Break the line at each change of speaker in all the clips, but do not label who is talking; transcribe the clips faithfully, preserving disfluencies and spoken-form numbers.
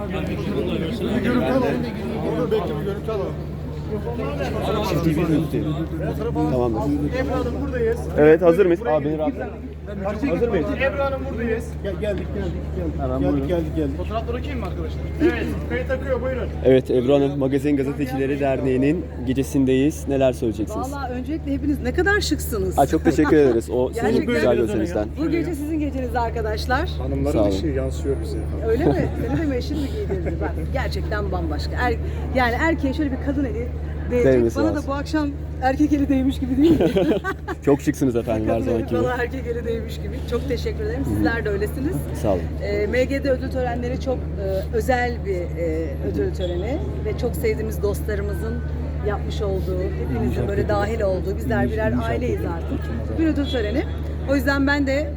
Görüntü alalım. Onu bekle bir görüntü alalım.
Çiftliği bir üstü. Tamamdır.
Ebru Hanım buradayız.
Evet, hazır mıyız? Abi beni rahat. Hazır mıyız?
Ebru Hanım buradayız. Gel, geldik geldik geldik.
Hemen
geldik,
buyurun.
geldik geldik. Fotoğrafları okuyayım mı arkadaşlar? Evet. Kayıt akıyor buyurun.
Evet, Ebru Hanım, Magazin Gazetecileri Derneği'nin gecesindeyiz. Neler söyleyeceksiniz?
Vallahi öncelikle hepiniz ne kadar şıksınız.
Aa, çok teşekkür ederiz. O sizin
Gerçekten
güzel gösterinizden.
Bu gece sizin geceniz arkadaşlar.
Sağ
Hanımların
olun.
işi yansıyor bize.
Öyle mi? Seni de mi eşin mi giydirdi? Bak gerçekten bambaşka. Er, yani erkeğe şöyle bir kadın eli değecek.
Değmesi
Bana
lazım.
da bu akşam erkek eli değmiş gibi değil mi?
Çok şıksınız efendim, her
Kadın eli
zamanki gibi.
bana erkek eli değmiş gibi. Çok teşekkür ederim. Sizler de öylesiniz.
Sağ olun.
E, M G D ödül törenleri çok e, özel bir e, ödül töreni ve çok sevdiğimiz dostlarımızın yapmış olduğu, hepinizin böyle dahil olduğu, bizler birer aileyiz artık. Bir ödül töreni. O yüzden ben de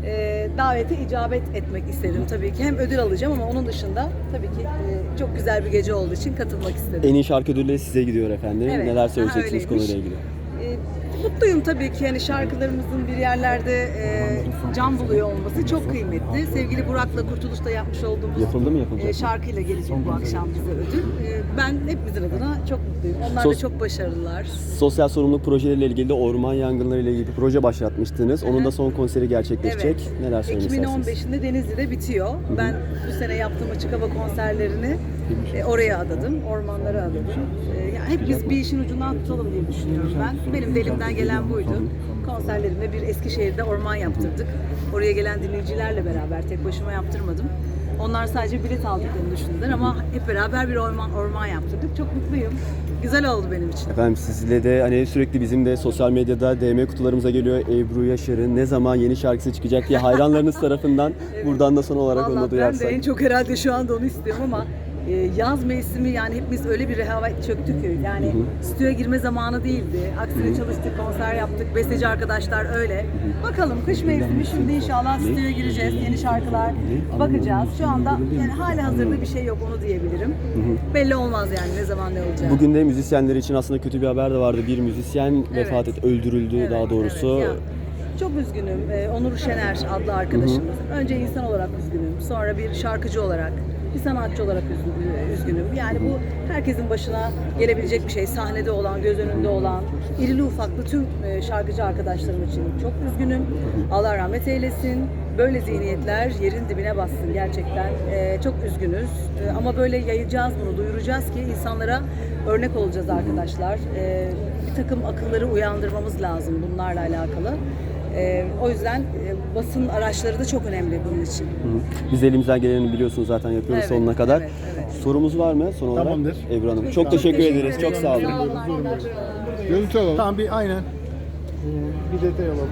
e, davete icabet etmek istedim tabii ki. Hem ödül alacağım ama onun dışında tabii ki e, çok güzel bir gece olduğu için katılmak istedim.
En iyi şarkı ödülleri size gidiyor efendim.
Evet.
Neler
Aha,
söyleyeceksiniz
öyleymiş.
konuyla ilgili?
E, mutluyum tabii ki, yani şarkılarımızın bir yerlerde e, can buluyor olması çok kıymetli. Sevgili Burak'la Kurtuluş'ta yapmış olduğumuz
Yapıldı mı, yapılacak
e,
mı?
şarkıyla gelecek bu akşam bize ödül. E, ben hepimizin adına çok mutluyum. Onlar
Sos-
da çok başarılılar.
Sosyal sorumluluk projeleriyle ilgili de orman yangınları ile ilgili bir proje başlatmıştınız. Onun da son konseri gerçekleşecek. Neler söylemek
iki bin on
istersiniz?
beşinde Denizli'de bitiyor. Ben bu sene yaptığım açık hava konserlerini e, oraya adadım, ormanlara adadım. E, yani hep biz bir işin ucundan tutalım diye düşünüyorum ben. Benim de elimden gelen buydu. Konserlerimde bir Eskişehir'de orman yaptırdık. Oraya gelen dinleyicilerle beraber, tek başıma yaptırmadım. Onlar sadece bilet aldıklarını düşündüler ama hep beraber bir orman orman yaptırdık. Çok mutluyum. Güzel oldu benim için.
Efendim sizle de hani sürekli bizim de sosyal medyada D M kutularımıza geliyor Ebru Yaşar'ın ne zaman yeni şarkısı çıkacak diye hayranlarınız tarafından buradan da son olarak onu da
Vallahi ben
duyarsak.
de en çok herhalde şu anda onu istiyorum ama e, yaz mevsimi, yani hepimiz öyle bir rehavet çöktük ki yani stüdyoya girme zamanı değildi. Aksine çalıştık, konser yaptık, besteci arkadaşlar öyle. Bakalım kış mevsimi, şimdi inşallah stüdyoya gireceğiz, yeni şarkılar bakacağız. Şu anda yani hali hazırda bir şey yok, onu diyebilirim. Belli olmaz yani ne zaman ne olacak.
Bugün de müzisyenler için aslında kötü bir haber de vardı. Bir müzisyen
Evet.
vefat etti, öldürüldü
Evet,
daha doğrusu.
evet. Ya, çok üzgünüm. Ee, Onur Şener adlı arkadaşımız. Önce insan olarak üzgünüm. Sonra bir şarkıcı olarak, bir sanatçı olarak üzgü- üzgünüm. Yani bu herkesin başına gelebilecek bir şey. Sahnede olan, göz önünde olan, irili ufaklı tüm e, şarkıcı arkadaşlarım için çok üzgünüm. Allah rahmet eylesin. Böyle zihniyetler yerin dibine bassın gerçekten. Ee, çok üzgünüz. Ee, ama böyle yayacağız bunu, duyuracağız ki insanlara örnek olacağız arkadaşlar. Ee, bir takım akılları uyandırmamız lazım bunlarla alakalı. Ee, o yüzden e, basın araçları da çok önemli bunun için.
Hı hı. Biz de elimizden geleni biliyorsunuz zaten yapıyoruz
Evet,
sonuna kadar.
evet, evet.
Sorumuz var mı son olarak?
Tamamdır.
Ebru Hanım. Çok teşekkür ederiz. Çok sağ olun.
Sağ olun arkadaşlar.
Görüntü alalım. Tamam bir aynen. Ee, bir detay alalım.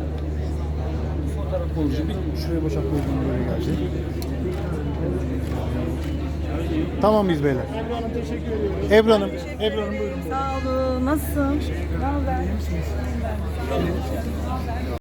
Fotoğraf olucu bir şuraya boşaltma böyle gelecek. Tamam mıyız beyler? Ebru Hanım teşekkür ediyorum. Ebru Hanım, Ebru Hanım buyurun.
Sağ olun. Nasılsın? Ne haber?